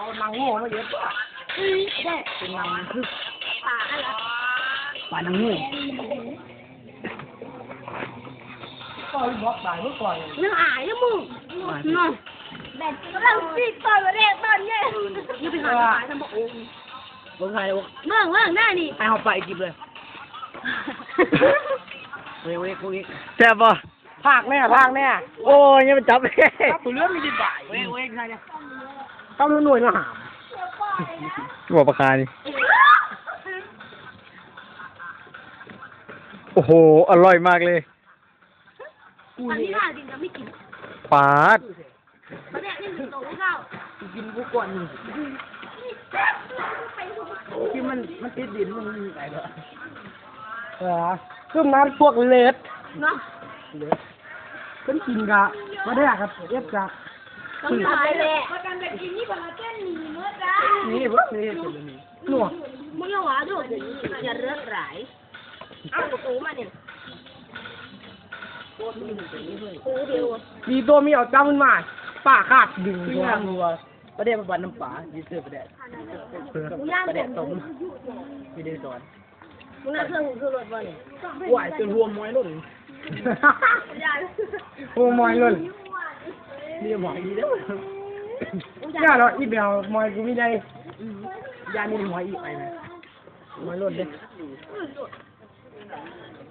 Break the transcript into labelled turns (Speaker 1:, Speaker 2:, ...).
Speaker 1: เอานางโง่มาเยอะป่ะได้เป็นนางคือป่าอะไรป่านางโง่ก็บอกตายเมื่อก่อนนึกอายนะมึงน้องแบบเราตีตอนแรกตอนเนี่ยนี่เป็นหายทำบอกโอ้เบิ่งใครวะเบิ่งได้นี่ให้เขาไปจิบเลยเว้ย
Speaker 2: แซ่บป่ะ
Speaker 1: ภาคแน่
Speaker 2: โอ้ยยังไม่จับเลย
Speaker 1: ตัวเรื่องมีดีบ่ายเว้ยใครเนี่ยต้องหน่วยมาหา
Speaker 2: หัวปลาคานี่โอ้โหอร่อยมากเลย
Speaker 3: อันนี้น่าจริงจะไม่กิน
Speaker 2: ปาด
Speaker 3: ประเดี๋ยวนี่ถึงโตข้าว
Speaker 1: กินกูก่อนที่มันติดดินมันอะไรเหรอเครื่องนั้นพวกเล็ด
Speaker 3: เนาะ
Speaker 1: ขึ้นกินกะมาได้ครับเอฟกะ
Speaker 3: ต้องตายเลยประกันแบบนี้ประกันแค่หนีเมื่อจ้า
Speaker 1: นี่พวกนี้หนวด
Speaker 3: มึงอย่าหวาด้วยอย่าเลือดไหลเอาตัวมาเนี่ย
Speaker 1: มีตัวมีเอาจ้ามันมาป่าขาดดึงหัวงัวประเดี๋ยวมันน้ำป่ายืดเสื้อประเดี๋ยวต้มมีเดือดร้อน
Speaker 3: มึงน่าเครื่องคือรถบ่เนี่ย
Speaker 1: ไหวจนรวมมวยลุ่นรวมมวยลุ่นนี่หมอยดีเด้อย่าเราอีเบลมวยกูไม่ได้ยานี่มวยอีกไปไหมมวยลุ่นเด้